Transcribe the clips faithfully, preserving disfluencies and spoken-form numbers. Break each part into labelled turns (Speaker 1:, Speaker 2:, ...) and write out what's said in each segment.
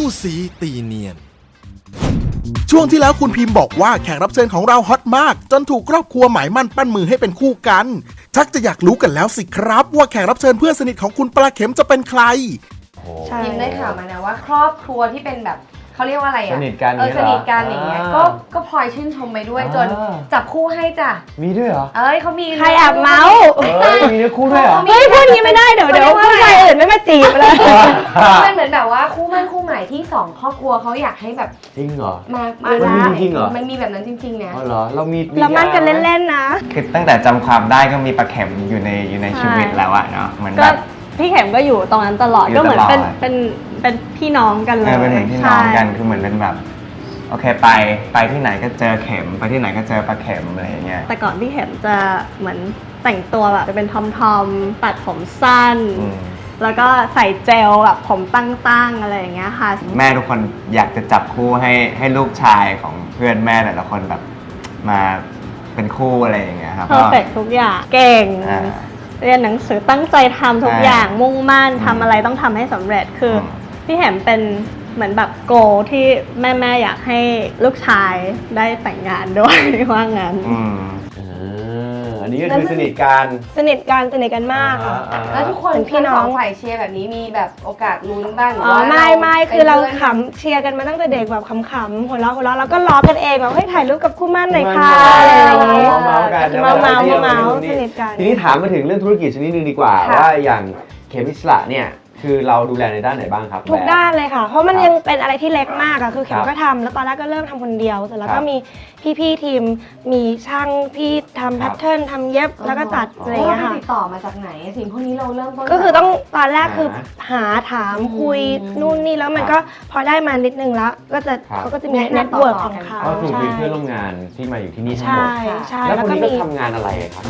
Speaker 1: คู่สีตีเนียนช่วงที่แล้วคุณพิมพ์บอกว่าแขกรับเชิญของเราฮอตมากจนถูกครอบครัวหมายมั่นปั้นมือให้เป็นคู่กันชักจะอยากรู้กันแล้วสิครับว่าแขกรับเชิญเพื่อนสนิทของคุณปลาเข็มจะเป็นใคร
Speaker 2: พิมได้ข่าวมานะว่าครอบครัวที่เป็นแบบเขาเรียกว่าอะไรอ่ะ
Speaker 3: สนิทกัน
Speaker 2: เออสนิทกันอย่างเงี้ยก็ก็พลอยชื่นชมไปด้วยจนจับคู่ให้จ้ะ
Speaker 3: มีด้วยเหรอ
Speaker 2: เอ้ยเขามี
Speaker 4: ใครแอบเมาส์
Speaker 3: เอ้ยมีเนื้อคู่ด้วยเหรอ
Speaker 4: เฮ้ยพูดนี้ไม่ได้เดี๋ยวเดี๋ยวผู้ชายอื่นไม่มาจีบเลย
Speaker 2: มันเหมือนแบบว่าคู่มั่นคู่หมายที่สองครอบครัวเขาอยากให้แบบ
Speaker 3: จริงเหรอ
Speaker 2: มา
Speaker 3: มามันมีจริงเหรอ
Speaker 2: มันมีแบบนั้นจริงๆเนี่ย
Speaker 3: อ๋อเหรอเรามี
Speaker 4: เรามั่นกันเล่นๆนะ
Speaker 5: คือตั้งแต่จำความได้ก็มีปลาเข็มอยู่ในอยู่ในชีวิตแล้วอะเนาะเหมือนแบบ
Speaker 4: พี่เข็มก็อยู่ตรงนั้นตลอดก็เหมือนเป็นเป็นเป็นพี่น้องกันเลย
Speaker 5: เป็นเหมือนพี่น้องกันคือเหมือนเป็นแบบโอเคไปไปที่ไหนก็เจอเข็มไปที่ไหนก็เจอปลาเข็มอะไรอย่างเงี้ย
Speaker 4: แต่ก่อนพี่เข็มจะเหมือนแต่งตัวแบบจะเป็นทอมทอมตัดผมสั้นแล้วก็ใส่เจลแบบผมตั้งๆอะไรอย่างเงี้ยค่ะ
Speaker 5: แม่ทุกคนอยากจะจับคู่ให้ให้ลูกชายของเพื่อนแม่แต่ละคนแบบมาเป็นคู่อะไรอย่างเงี้ยครับ
Speaker 4: เพอร์เฟกทุกอย่างเก่งเรียนหนังสือตั้งใจทำทุกอย่างมุ่งมั่นทำอะไรต้องทำให้สำเร็จคือพี่เข็มเป็นเหมือนแบบโกที่แม่แม่อยากให้ลูกชายได้แต่งงานด้วยว่างั้น
Speaker 3: อืมอันนี้ก็คือสนิทกัน
Speaker 4: สนิทกันสนิทกันมากค่ะ
Speaker 2: แล้วทุกคนพี่น้องฝ่ายเชียร์แบบนี้มีแบบโอกาสลุ้นบ้างหรือ
Speaker 4: ว่าไม่ไม่คือเราขำเชียร์กันมาตั้งแต่เด็กแบบขำๆหัวเราะหัวเราะแล้วก็ล้อกันเองแบบให้ถ่ายรูปกับคู่มั่นหน่อยค่ะอะไรอย่างเงี้ย
Speaker 3: เมาๆกัน
Speaker 4: เมาเมาเมาสนิทกัน
Speaker 3: ทีนี้ถามมาถึงเรื่องธุรกิจชนิดนึงดีกว่าว่าอย่างเข็มอิสระเนี่ยคือเราดูแลในด้านไหนบ้างครับ
Speaker 4: ทุกด้านเลยค่ะเพราะมันยังเป็นอะไรที่เล็กมากอะคือเข็มก็ทำแล้วตอนแรกก็เริ่มทำคนเดียวเสร็จแล้วก็มีพี่ๆทีมมีช่างพี่ทำแพทเทิร์นทำเย็บแล้วก็ตัดอะไรอย่างเงี้ยค่ะ
Speaker 2: ติดต่อมาจากไหนสิ่งพวกนี้เราเริ่มต้น
Speaker 4: ก็คือต้องตอนแรกคือหาถามคุยนู่นนี่แล้วมันก็พอได้มานิดนึงแล้วก็จะเขาก็จะมีเน็ตเวิร์กของเขา
Speaker 3: ก็คือมีเพื่อนร่วมงานที่มาอยู่ที่นี่ทั้งหมด
Speaker 4: ใช่ใช่
Speaker 3: แล้วคนนี้ก็ทำงานอะไรครับ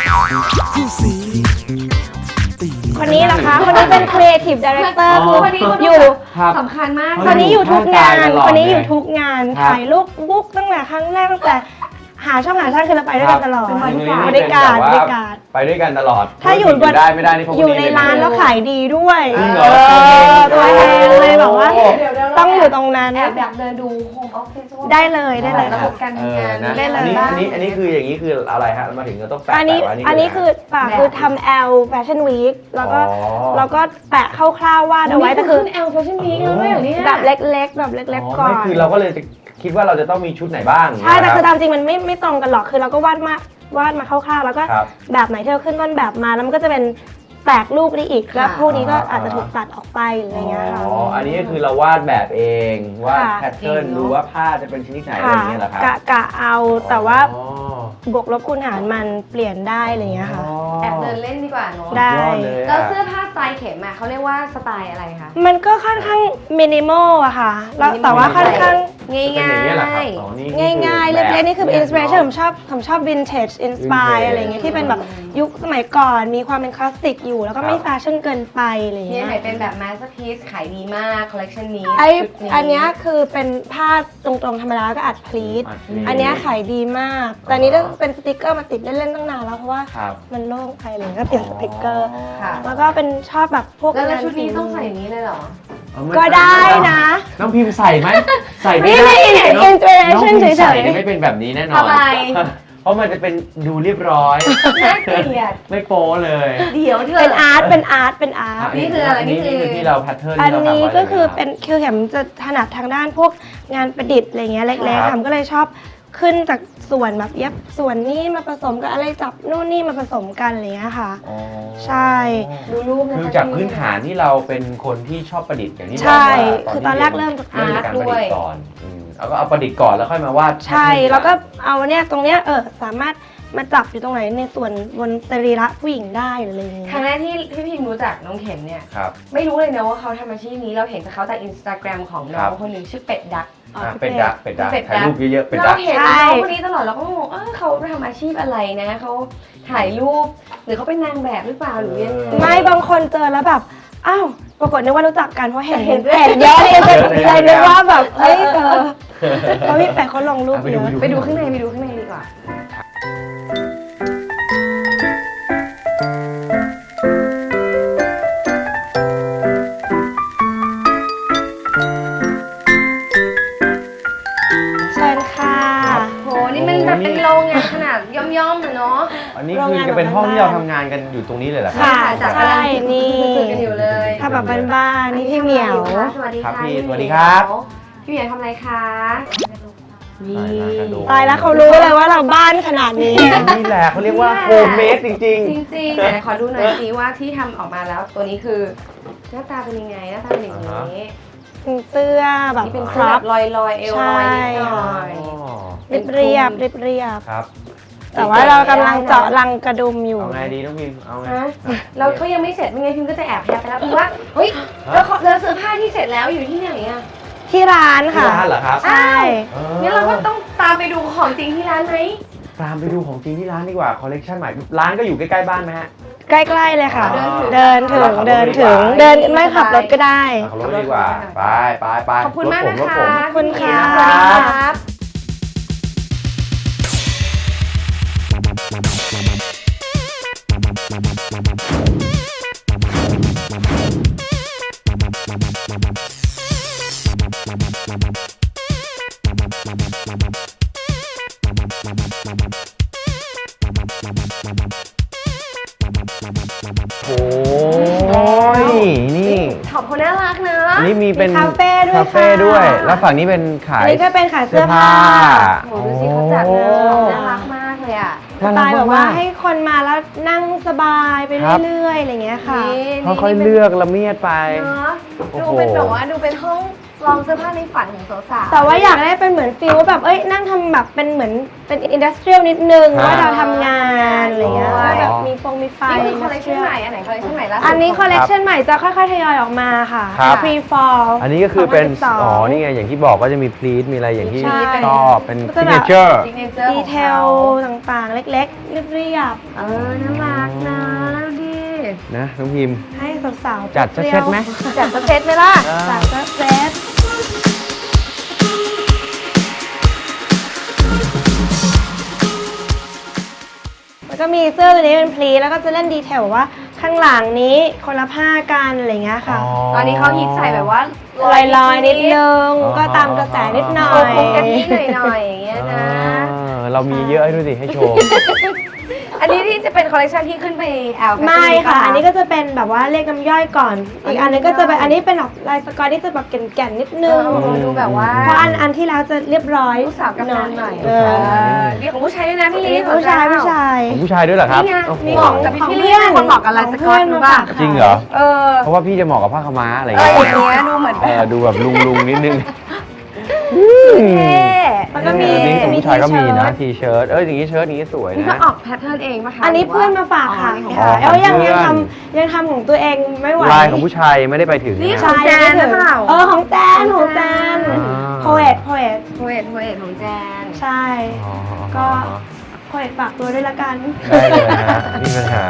Speaker 4: คนนี้นะคะคนนี้เป็น Creative Director คืออยู่
Speaker 2: สำคัญมาก
Speaker 4: คนนี้อยู่ทุกงานคนนี้อยู่ทุกงานถ่ายรูปบุ๊กตั้งแต่ครั้งแรกตั้งแต่หาช่องหาช่างคือเราไปด้วยกันตลอดบริการบริการ
Speaker 3: ไปด้วยกันตลอด
Speaker 4: ถ้าอยู่บน
Speaker 3: ได้ไม่ได้นี่
Speaker 4: อยู่ในร้านแล้วขายดีด้วยตัวแทนเลยบอกว่าต้องอยู่ตรงนั้น
Speaker 2: แอบอยากเดินดูโฮมออฟฟิศ
Speaker 4: ได้เลยได้เลย
Speaker 2: ระบบการทำงาน
Speaker 4: ได้เลย
Speaker 3: อันนี้อันนี้คืออย่างนี้คืออะไรฮะมาถึงก็ต้องแปะ
Speaker 4: อันนี้อันนี้คือปากคือทำ L Fashion Week แล้วก็แล้วก็แปะคร่าวๆวาดเอาไว้แต่คือ
Speaker 2: L Fashion Week แล้วด้วยอย่างนี้
Speaker 4: แบบเล็กๆแบบเล็กๆก่อน
Speaker 3: คือเราก็เลยคิดว่าเราจะต้องมีชุดไหนบ้าง
Speaker 4: ใช่แต่คือตามจริงมันไม่ไม่ตรงกันหรอกคือเราก็วาดมาวาดมาคร่าวๆแล้วก็แบบไหนที่เราขึ้นต้นแบบมาแล้วมันก็จะเป็นแตกรูปได้อีกแล้วพวกนี้ก็อาจจะถูกตัดออกไปอะไรเงี้ยค่ะ
Speaker 3: อ๋ออันนี้ก็คือเราวาดแบบเองวาดแพทเทิร์นดูว่าผ้าจะเป็นชนิดไหนอะไรอย่างเงี้ยเหรอครับ
Speaker 4: กะกะเอาแต่ว่าบวกลบคูณหารมันเปลี่ยนได้อะไรเงี้ยค่ะ
Speaker 2: แอบเดินเล่นดีกว่าเนาะ
Speaker 4: ได้
Speaker 2: แล้วเสื้อผ้าสไตล์เข็มอะเขาเรียกว่าสไตล์อะไรคะ
Speaker 4: มันก็ค่อนข้างมินิมอลอะค่ะแล้วแต่ว่าค่อนข้างง่ายง่ายง่ายง่ายเล็กๆนี่คืออินสปิเรชั่นผมชอบผมชอบวินเทจอินสปายอะไรเงี้ยที่เป็นแบบยุคสมัยก่อนมีความเป็นคลาสสิกอยู่แล้วก็ไม่แฟชั่นเกินไปอะไรอย่างเงี้ย
Speaker 2: เนี่ยเป็นแบบมาสเตอร์พีซขายดีมากคอลเลคชันนี้
Speaker 4: ไออันนี้คือเป็นผ้าตรงๆธรรมดาก็อัดพลีทอันนี้ขายดีมากแต่นี้ต้องเป็นสติกเกอร์มาติดเล่นๆตั้งนานแล้วเพราะว่ามันโล่งไปเลยก็เปลี่ยนสติกเกอร์แล้วก็เป็นชอบแบบพวก
Speaker 2: แล้วชุดนี้ต้องใส่อย่างนี้เลยเหรอ
Speaker 4: ก็ได้นะ
Speaker 3: น้องพิมพ์ใส่ไหมใส่
Speaker 4: ไม่ได้อินสปิเรชั่นเฉย
Speaker 3: ๆไม่เป็นแบบนี้แน่นอนเพราะมันจะเป็นดูเรียบร้อย
Speaker 2: น่าเกลียด
Speaker 3: ไม่โป๊เลย
Speaker 2: เดี๋ยวเธอ
Speaker 4: เป็นอาร์ตเป็นอาร์ตเป็นอาร์ต
Speaker 2: นี่คืออะไร
Speaker 3: นี่คือที่เราแพทเทิร์น
Speaker 4: อันนี้ก็คือเป็นคือเข็มจะถนัดทางด้านพวกงานประดิษฐ์อะไรเงี้ยเล็กๆทำก็เลยชอบขึ้นจากส่วนแบบเย็บส่วนนี้มาผสมกับอะไรจับนู่นนี่มาผสมกันอะไรเงี้ยค่ะใช่
Speaker 2: ดูรูป
Speaker 3: คือจากพื้นฐานที่เราเป็นคนที่ชอบประดิษฐ์อย่างที่บอก
Speaker 4: ว่าคือตอนแรกเริ่มจาก
Speaker 3: อาร์ตด้วยก่อนแล้วก็เอาประดิษฐ์ก่อนแล้วค่อยมาวาด
Speaker 4: ใช่แล้วก็เอาเนี่ยตรงเนี้ยเออสามารถมาจับอยู่ตรงไหนในส่วนบนสรีระผู้หญิงได้หรืออะไรอย่างเงี้ย
Speaker 2: ครั้งแรกที่พี่พิมรู้จักน้องเข็มเนี่ยไม่รู้เลยนะว่าเขาทำอาชีพนี้เราเห็นจากเขาจากอินสตาแกรมของน้องคนหนึ่งชื่อเป็ดดัก
Speaker 3: เป็ดดักเป็ดดักถ่ายรูปเยอะๆเป็ดดัก
Speaker 2: เราเห็นน้องคนนี้ตลอดเราก็งงเออเขาทำอาชีพอะไรนะเขาถ่ายรูปหรือเขาเป็นนางแบบหรือเปล่าหรือยัง
Speaker 4: ไม่บางคนเจอแล้วแบบอ้าวปรากฏนึกว่ารู้จักกันเพราะเห็นเห็นเห็นเยอะเลยเลยนึกว่าแบบเฮ้ยเจอเพราะพี่แปะเขาลงรูปเยอะ
Speaker 2: ไปดูข้างในไปดูข้างในดีกว่า
Speaker 3: เป็นห้องที่เราทำงานกันอยู่ตรงนี้เลยเหรอครับ
Speaker 4: ค่ะ
Speaker 2: จัด
Speaker 4: ใช่ นี่
Speaker 2: คุยกันอยู่เลย
Speaker 4: ถ้าแบบบ้านๆนี่พี่เหมียว
Speaker 2: สวัสดี
Speaker 3: ครับ
Speaker 2: ค่ะ
Speaker 3: พี่สวัสดีครับ
Speaker 2: พี่เหมียวทำอะไรคะนี่
Speaker 4: ตายแล้วเขารู้เลยว่าเราบ้านขนาดนี้
Speaker 3: นี่แหละเขาเรียกว่าโฮมเมดจริง
Speaker 2: จริงๆแต่ขอดูหน่อยสิว่าที่ทำออกมาแล้วตัวนี้คือหน้าตาเป็นยังไงหน้าตาเป็นอย่างนี้
Speaker 4: เป็นเสื้อแบบ
Speaker 2: นี่เป็น
Speaker 4: ค
Speaker 2: เสื้อ
Speaker 4: รั
Speaker 2: แบบ บลอยลอยๆเอวลอยนิดหน่อย
Speaker 3: ๆ
Speaker 4: เรียบเรียบเรียบเรียบ
Speaker 3: ครับ
Speaker 4: แต่ว่าเรากำลังเจาะรังกระดุมอยู่
Speaker 3: เอาไงดีน้องพิมเอาไง
Speaker 2: ฮะเราก็ยังไม่เสร็จไม่งั้นพิมก็จะแอบแพบไปแล้วพิมว่าเฮ้ยแล้วเขาแล้วเสื้อผ้าที่เสร็จแล้วอยู่ที่ไหนอะ
Speaker 4: ที่ร้าน
Speaker 3: ที่
Speaker 4: ค่ะ
Speaker 3: ร้านเหรอครับ
Speaker 4: ใช่
Speaker 3: เออ
Speaker 2: งั้นเราก็ต้องตามไปดูของจริงที่ร้านไหม
Speaker 3: ตามไปดูของจริงที่ร้านดีกว่าคอลเลกชันใหม่ร้านก็อยู่ใกล้ๆบ้านไหมฮะ
Speaker 4: ใกล้ๆเลยค่ะ
Speaker 3: อ๋อ
Speaker 4: เดินถึง เดินถึง เดินไม่ขับรถก็ได้
Speaker 3: ขับรถดีกว่าไปไปไป
Speaker 2: ขอบคุณมาก
Speaker 3: รถ
Speaker 2: นะ
Speaker 3: ผมรถ
Speaker 2: คะ
Speaker 3: ผม
Speaker 4: ขอบคุณค่ะ
Speaker 2: สวัสดีครับ
Speaker 3: โอ้ยนี่
Speaker 2: ขอบคุณน่ารักนะ
Speaker 3: อันนี้มีเป็น
Speaker 4: มีคาเฟ่ด้วย
Speaker 3: คาเฟ่
Speaker 4: ค่ะ
Speaker 3: ด้วย แล้วฝั่งนี้เป็นขา
Speaker 4: อัน
Speaker 3: ย
Speaker 4: นี้ก็เป็นขายเสื้อผ้า
Speaker 2: โอ้โหดูสิเขาจัดนะน่ารักมากเลยอ่ะ
Speaker 4: สไตล์แบบว่าให้คนมาแล้วนั่งสบายไป
Speaker 3: ครับ
Speaker 4: เรื่อยๆอะไรอย่างเงี้ยค่ะ
Speaker 2: นี่
Speaker 3: ค่อยๆเลือกละเมียดไป
Speaker 2: เนาะ
Speaker 3: โอ้
Speaker 2: ดู
Speaker 3: โห
Speaker 2: เป็นแบบว่าดูเป็นห้องลองเสื้อผ้าในฝันของสาวๆ
Speaker 4: แต่ว่าอยากได้เป็นเหมือนฟิลว่าแบบเอ้ยนั่งทำแบบเป็นเหมือนเป็นอินดัสเทรียลนิดนึง
Speaker 3: ฮะ
Speaker 4: ว่าเราทำงานอะไรเงี้ย
Speaker 3: อ๋อ
Speaker 4: ว่าแบบมีฟงมีไฟ
Speaker 2: นี่คือคอลเลคชันใหม่อันไหนคอลเลคชันใหม่ล่าสุด
Speaker 4: อันนี้คอลเลกชันใหม่จะค่อยๆทยอยออกมาค่ะ
Speaker 3: ครับ
Speaker 4: Pre Fall
Speaker 3: อันนี้ก็คือเป็น
Speaker 4: สองพันสิบสอง
Speaker 3: อ๋อ นี่ไง อย่างที่บอกก็จะมีพลีทมีอะไรอย่างที่
Speaker 4: ใช่
Speaker 3: ชอบเป็น
Speaker 4: ก็
Speaker 3: ซิ
Speaker 4: จะ
Speaker 3: ก
Speaker 4: แบ
Speaker 3: เน
Speaker 4: บ
Speaker 3: เจอร์
Speaker 2: ซิกเนเจอร์
Speaker 4: ดีเทลต่างๆ เล็กๆ เรียบ
Speaker 2: เออน่ารักนะดูดิ
Speaker 3: นะน้องพิมพ์
Speaker 4: ๆ ให้สาวๆ
Speaker 3: จัดสักเซตไหม
Speaker 2: จัดสเตตไหมล่ะ
Speaker 4: จัดสักเซตแล้วก็มีเสื้อตัวนี้เป็นพลีแล้วก็จะเล่นดีเทลว่าข้างหลังนี้คนละผ้ากันอะไรเงี้ยค่ะ
Speaker 2: ตอนนี้เขาฮิตใส่แบบว่า
Speaker 4: ลอยๆนิดนึง
Speaker 3: อ๋อ
Speaker 4: ก็ตามกระแสนิดหน่อ
Speaker 2: โอ้
Speaker 4: ย
Speaker 2: โหกะทิหน่อยๆอย่างเงี้ยนะ
Speaker 3: เออเรามีเยอะให้ดูสิให้โชว์
Speaker 2: อันนี้ที่จะเป็นคอลเลคชันที่ขึ้นไปแอล
Speaker 4: ไม่ค่ะ อันนี้ก็จะเป็นแบบว่าเลขน้ำย่อยก่อน อีกอันนึงก็จะเป็นอันนี้เป็นแบบลายสกอตที่จะแบบแก่นๆนิดนึ
Speaker 2: เอง อดูแบบว่า
Speaker 4: เพราะอันอันที่แล้วจะเรียบร้อย
Speaker 2: ลูกสาวกำนันหน่อย
Speaker 4: เอ
Speaker 2: เอ
Speaker 4: อ
Speaker 2: อมีของผู้ชายด้วยนะพี่ลี
Speaker 4: ผู้ชายผู้ชาย
Speaker 3: ของผู้ชายด้วยเหรอครับ
Speaker 2: นี่ไง
Speaker 3: โอ้โห
Speaker 2: มีของกับพี่ลีเป็นคนเหมาะกับลายสกอตรู้ป่ะ
Speaker 3: จริงเหรอ
Speaker 2: เออ
Speaker 3: เพราะว่าพี่จะเหมาะกับผ้าขาวม้าอะไร
Speaker 2: เออ
Speaker 3: เงี้ย
Speaker 2: อย่างเงี้ยดูเหมือน
Speaker 3: เออดูแบบลุงลุงๆนิดนึง
Speaker 2: เท่
Speaker 4: แล้วก็มี
Speaker 3: อันนี้ของผู้ชายก็มีนะ
Speaker 4: ที
Speaker 3: ทีเชิ้ตเอออย่างนี้เชิ้ตอย่างนี้สวย
Speaker 2: นี่ก็
Speaker 3: นะ
Speaker 2: ออกแพทเทิร์นเองป่ะคะ
Speaker 4: อันนี้เพื่อนมาฝากค่ะ
Speaker 2: อ๋อ
Speaker 3: อ๋อ
Speaker 4: แล้วยัง
Speaker 3: ของเพื่
Speaker 4: ยั
Speaker 3: อน
Speaker 4: งทำยังทำของตัวเองไม่ไหว
Speaker 3: ลายของผู้ชายยังไม่ได้ไปถึง
Speaker 2: นี่
Speaker 3: นะ
Speaker 2: ของแจนหรือเปล่า
Speaker 4: เออของแจนของแจน
Speaker 3: อ่า
Speaker 4: โพเอตโพเอต
Speaker 2: โพเอตโพเอตของแจน
Speaker 4: ใช่
Speaker 3: อ๋อ
Speaker 4: ก็ โพเอตฝากตัวด้วยละกัน
Speaker 3: ได้เลยนะฮะไมมีปัญหา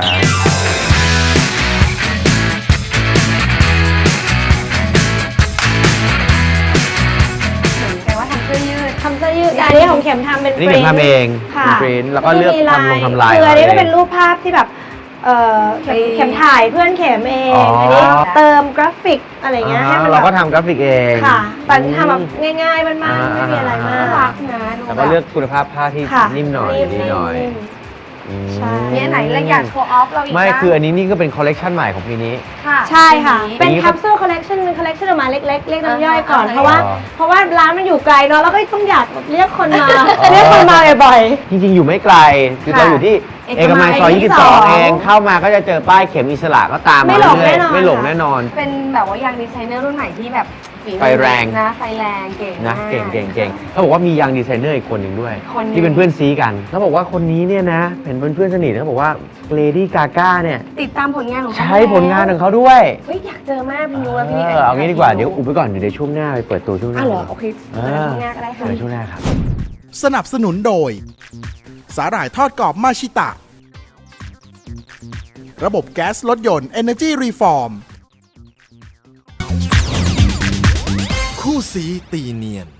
Speaker 2: เหมือนกันว่าทำเสื้อยืด
Speaker 4: ทำเสื้อยืดอันนี้ของเข็มทำเป็น
Speaker 3: อันนี้เข็มทำเอง
Speaker 4: ค่ะ
Speaker 3: เป็นปริ้นท์แล้วก็เลือกทำลงทำลาย
Speaker 4: คืออันนี้
Speaker 3: เอาเอง
Speaker 4: ก็เป็นรูปภาพที่แบบเออเข็ม
Speaker 2: ไป
Speaker 4: เข็มถ่ายเพื่อนเข็มเอง
Speaker 3: อ๋ออั
Speaker 4: อันนี้เติมกราฟิกอะไรเงี้ยให้มัน
Speaker 3: เรา
Speaker 4: แบ
Speaker 3: ก็
Speaker 4: บ
Speaker 3: ทำกราฟิกเอง
Speaker 4: ค่ะแต่ทำแบบง่ายๆบ้านๆไม่มีอะไรมา
Speaker 2: น่าก รักนะดู
Speaker 3: แล้ว
Speaker 2: แบ
Speaker 3: ก็
Speaker 2: บ
Speaker 3: เลือกคุณภาพผ้าที่
Speaker 4: ค่ะ
Speaker 3: นิ่มหน่อยดีหน่อย
Speaker 4: นิ่ม
Speaker 3: อืม
Speaker 4: ใช่
Speaker 2: เนี่ยไหนเราอยากโชว์ออฟเราอีก
Speaker 3: ไม่
Speaker 2: บ้าง
Speaker 3: คืออันนี้นี่ก็เป็นคอลเลกชันใหม่ของปีนี้
Speaker 2: ค่ะ
Speaker 4: ใช่ค่ะ
Speaker 2: ที
Speaker 4: เป็น
Speaker 3: นี้
Speaker 4: แคปซูลคอลเลกชันเป็นคอลเลกชันออกมาเล็กๆ เรียกน้ำย่อยก่อน
Speaker 2: อ่า
Speaker 4: เพราะว่า
Speaker 3: อ๋อ
Speaker 4: เพราะว่าร้านมันอยู่ไกลเนาะแล้วก็ต้องอยากเรียกคนมา เรียกคนมาบ่อย
Speaker 3: จริงๆ อยู่ไม่ไกล คือ
Speaker 4: ค่ะ
Speaker 3: เราอยู่ที่
Speaker 4: เอก
Speaker 3: เอกมัยซอย
Speaker 4: มัย
Speaker 3: ยี่สิบสอง
Speaker 4: ยี่สิบสอง
Speaker 3: เองเข้ามาก็จะเจอป้ายเข็มอิสระก็ตาม
Speaker 4: ไม่
Speaker 3: มา
Speaker 4: หลง
Speaker 3: เรื่อย
Speaker 4: แน่นอน
Speaker 3: ๆไม่หลง
Speaker 4: ค่ะ
Speaker 3: แน่นอน
Speaker 2: เป็นแบบว่ายางดีไซเนอร์รุ่นใหม่ที่แบบฝีมือ
Speaker 3: ไฟแรง
Speaker 2: นะไฟแรงเก่ง
Speaker 3: นะ
Speaker 2: มาก
Speaker 3: เก่งเก่งเก่งเขาบอกว่ามียังดีไซเนอร์อีกคนหนึ่งด้วย
Speaker 2: คนหนึ่ง
Speaker 3: ที่เป็นเพื่อนซีกันเขาบอกว่าคนนี้เนี่ยนะเป็นเพื่อนๆสนิทเขาบอกว่าเลดี้กาก้าเนี่ย
Speaker 2: ติดตามผลงานของเขา
Speaker 3: ใช้ผลงานของเขาด้วย
Speaker 2: เฮ้ยอยากเจอมากพี่นุ้แล้วพี่
Speaker 3: เออเอางี้ดีกว่าเดี๋ยวอุบไว้ก่อนเดี๋ยวช่วงหน้าไปเปิดตัวช่วงหน้า
Speaker 2: อ้าวเหรอโอเค
Speaker 3: เอ
Speaker 2: เจอ
Speaker 3: อ
Speaker 2: ช่วงหน้าก็ได้ค่ะ
Speaker 3: เดี๋ยวช่วงหน้าครับ
Speaker 1: สนับสนุนโดย สาหร่ายทอดกรอบมาชิตะ ระบบแก๊สรถยนต์ Energy Reform คู่สีตีเนียน